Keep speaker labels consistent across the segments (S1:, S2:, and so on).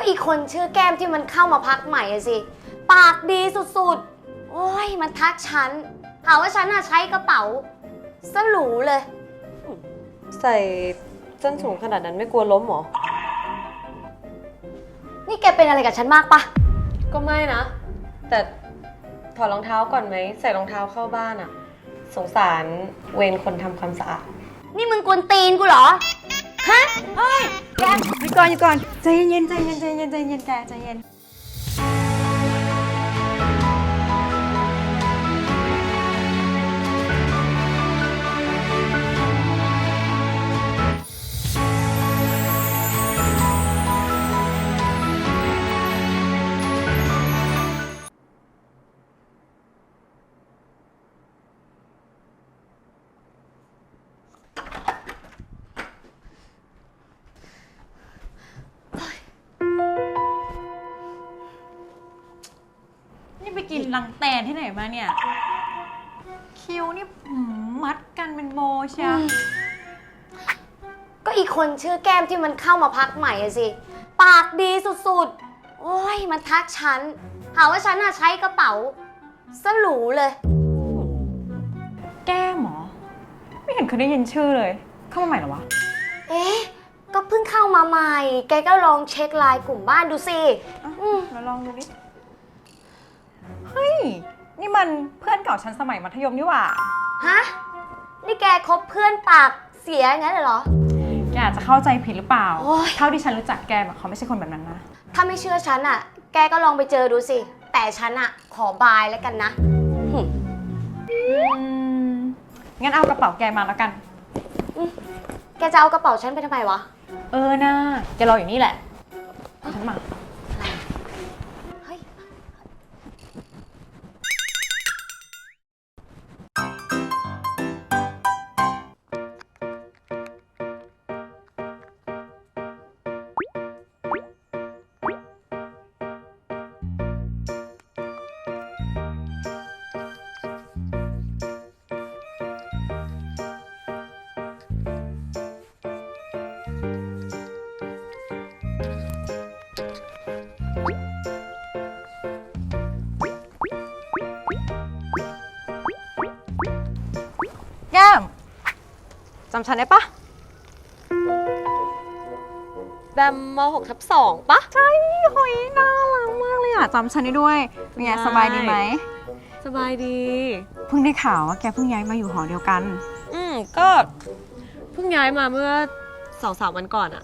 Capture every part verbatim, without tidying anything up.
S1: ก็อีกคนชื่อแก้มที่มันเข้ามาพักใหม่อะสิปากดีสุดๆโอ้ยมันทักฉันหาว่าฉันน่ะใช้กระเป๋าสรูเลย
S2: ใส่ส้นสูงขนาดนั้นไม่กลัวล้มหรอ
S1: นี่แกเป็นอะไรกับฉันมากปะ
S2: ก็ไม่นะแต่ถอดรองเท้าก่อนไหมใส่รองเท้าเข้าบ้านอะสงสารเวรคนทำความสะอาด
S1: นี่มึงกวนตีนกูเหรอฮะเฮ้ยแก
S3: หยุดก่อนหยุดก่อนใจเย็นใจเย็นใจเย็นใจเย็นแกใจเย็นนี่ไปกินรังแตนที่ไหนมาเนี่ยคิ้วนี่มัดกันเป็นโบเชีย
S1: ก็อีกคนชื่อแก้มที่มันเข้ามาพักใหม่อะสิปากดีสุดๆโอ้ยมันทักฉันหาว่าฉันน่ะใช้กระเป๋าสรูเลย
S3: แก้มหรอไม่เห็นเคยได้ยินชื่อเลยเข้ามาใหม่เหรอวะ
S1: เอ๊ะก็เพิ่งเข้ามาใหม่แกก็ลองเช็คไลน์กลุ่มบ้านดูสิ
S3: เราลองดูดิเฮ้ยนี่มันเพื่อนเก่าฉันสมัยมัธยมนี่หว่า
S1: ฮะนี่แกคบเพื่อนปากเสียงั้นเหรอ
S3: แกอาจจะเข้าใจผิดหรือเปล่าเท่าที่ฉันรู้จักแกแบบเขาไม่ใช่คนแบบนั้นนะ
S1: ถ้าไม่เชื่อฉันอ่ะแกก็ลองไปเจอดูสิแต่ฉันอ่ะขอบายแล้วกันนะ
S3: งั้นเอากระเป๋าแกมาแล้วกัน
S1: แกจะเอากระเป๋าฉันไปทำไมวะ
S3: เออนะแกรออยู่นี่แหละฉันมาแก้มจำฉันได้ปะ
S2: แบมมหกทับสองปะ
S3: ใช่หอยน่ารักมากเลยอ่ะจำฉันได้ด้วยเป็นไงสบายดีไหม
S2: สบายดี
S3: เพิ่งได้ข่าวว่าแกเพิ่งย้ายมาอยู่หอเดียวกัน
S2: อืมก็เพิ่งย้ายมาเมื่อสองสามวันก่อนอะ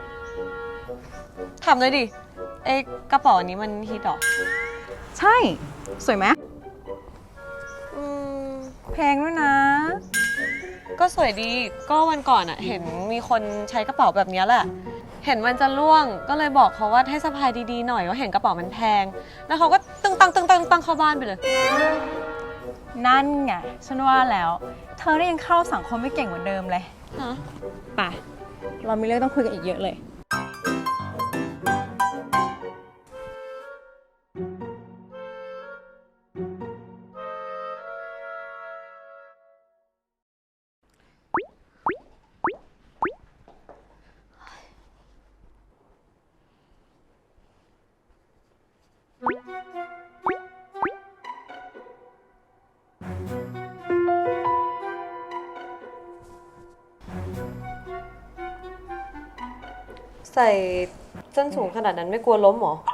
S2: ถามเลยดิไอ้กระเป๋าอันนี้มันฮิตหรอ
S3: ใช่สวยไหม
S2: อืม
S3: แพงด้วยนะ
S2: ก็สวยดีก็วันก่อนอะเห็นมีคนใช้กระเป๋าแบบนี้แหละเห็นมันจะล่วงก็เลยบอกเขาว่าให้สะพายดีๆหน่อยว่าเห็นกระเป๋ามันแพงแล้วเขาก็ตึงตังตึงตังตังเข้าบ้านไปเลย
S3: นั่นไงฉันว่าแล้วเธอได้ยังเข้าสังคมไม่เก่งเหมือนเดิมเลย
S2: ฮะ
S3: ไปเรามีเรื่องต้องคุยกันอีกเยอะเลย
S2: ใส่ส้นสูงขนาดนั้นไม่กลัวล้มหรอ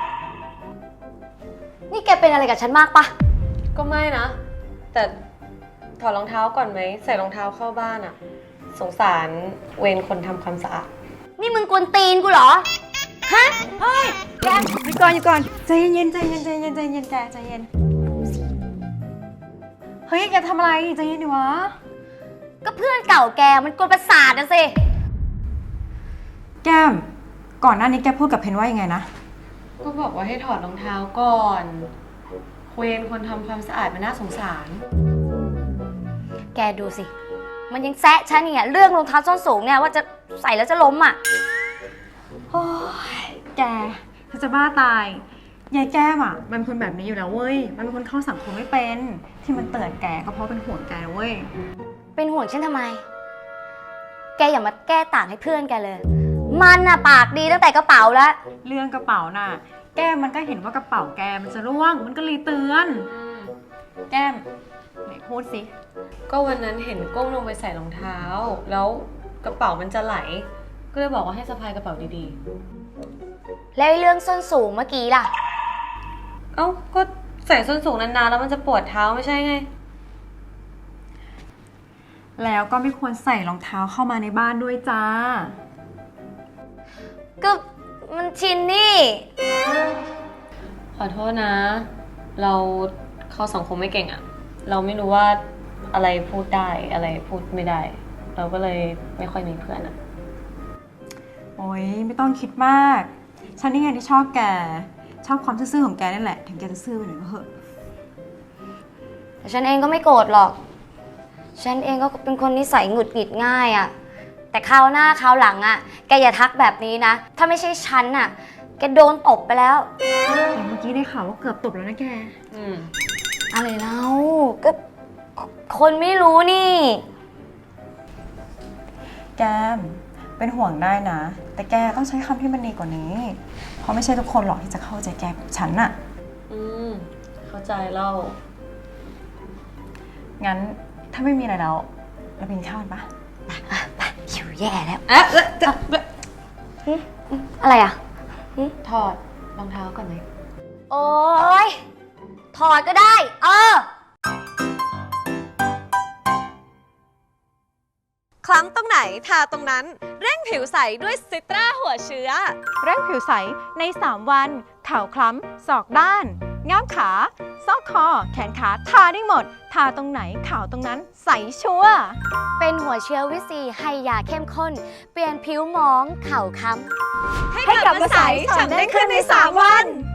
S1: นี่แกเป็นอะไรกับฉันมากปะ
S2: ก็ไม่นะแต่ถอดรองเท้าก่อนไหมใส่รองเท้าเข้าบ้านอะสงสารเวรคนทำความสะอาด
S1: นี่มึงกวนตีนกูเหรอฮะเฮ้ยแก
S3: หยุดก่อนหยุดก่อนใจเย็นใจเย็นใจเย็นใจเย็นแกใจเย็นเฮ้ยแกทำอะไรใจเย็นดิวะ
S1: ก็เพื่อนเก่าแกมันกวนประสาทนะสิ
S3: แก้มก่อนหน้านี้แกพูดกับเพนว่ายังไงนะ
S2: ก็บอกว่าให้ถอดรองเท้าก่อนเวรคนทำความสะอาดมันน่าสงสาร
S1: แกดูสิมันยังแซะฉันเนี่ยเรื่องรองเท้าส้นสูงเนี่ยว่าจะใส่แล้วจะล้มอ่ะ
S3: โอ้ยแกเธอจะบ้าตายยายแก้มอ่ะมันเป็นคนแบบนี้อยู่แล้วเว้ยมันเป็นคนเข้าสังคมไม่เป็นที่มันเตือนแกก็เพราะเป็นห่วงแกเว้ย
S1: เป็นห่วงฉันทำไมแกอย่ามาแก้ต่างให้เพื่อนแกเลยมันน่ะปากดีตั้งแต่กระเป๋าแล้ว
S3: เรื่องกระเป๋าน่ะ แก้มมันก็เห็นว่ากระเป๋าแกมันจะร่วง มันก็เลยเตือน แก้มไหนพูดสิ
S2: ก็วันนั้นเห็นก้มลงไปใส่รองเท้า แล้วกระเป๋ามันจะไหล ก็เลยบอกว่าให้สะพายกระเป๋าดี
S1: แล้วไอ้เรื่องส้นสูงเมื่อกี้ล่ะ
S2: ๆ เอ้าก็ใส่ส้นสูงนานๆแล้วมันจะปวดเท้าไม่ใช่ไง
S3: แล้วก็ไม่ควรใส่รองเท้าเข้ามาในบ้านด้วยจ้า
S1: ก็มันชินนี่
S2: ขอโทษนะ เราเข้าสังคมไม่เก่งอะเราไม่รู้ว่าอะไรพูดได้อะไรพูดไม่ได้ เราก็เลยไม่ค่อยมีเพื่อนอะ
S3: โอ๊ยไม่ต้องคิดมาก ฉันนี่ไงที่ชอบแก ชอบความซื่อๆของแกนี่แหละ ถึงแกจะซื่อไปหน่อยก็เหอะ
S1: แต่ฉันเองก็ไม่โกรธหรอก ฉันเองก็เป็นคนนิสัยหงุดหงิดง่ายอะแต่คราวหน้าคราวหลังอะแกอย่าทักแบบนี้นะ ถ้าไม่ใช่ฉันอะแกโดนตบไปแล้ว
S3: แต่เมื่อกี้ได้ข่าวว่าเกือบตบแล้วนะแก
S2: อืม
S1: อะไรเล่าก็คนไม่รู้นี่
S3: แกมเป็นห่วงได้นะ แต่แกต้องใช้คำที่มันดีกว่านี้ เพราะไม่ใช่ทุกคนหรอกที่จะเข้าใจแกแบบฉันน่ะ
S2: อืม เข้าใจเล่า
S3: งั้นถ้าไม่มีอะไรแล้ว เราไปกินข้าวกันปะ
S1: หิวแย่แล้ว
S2: เอ๊ะแล้วจะ
S1: อะไรอะ
S2: ถอดรองเท้าก่อนไหม
S1: โอ๊ย ถอดก็ได้ เออ
S2: คล้ำตรงไหนทาตรงนั้น เร่งผิวใสด้วยซิตราหัวเชื้อ
S3: เร่งผิวใสในสามวันขาวคล้ำศอกด้านง่ามขาซอกคอ แขนขาทาได้หมด ทาตรงไหนขาวตรงนั้นใสชัวร์
S1: เป็นหัวเชื้อวิซีให้ยาเข้มข้น เปลี่ยนผิวหมองเข่าค้ำ
S2: ให้กลับมาใสฉ่ำได้ขึ้นในสามวัน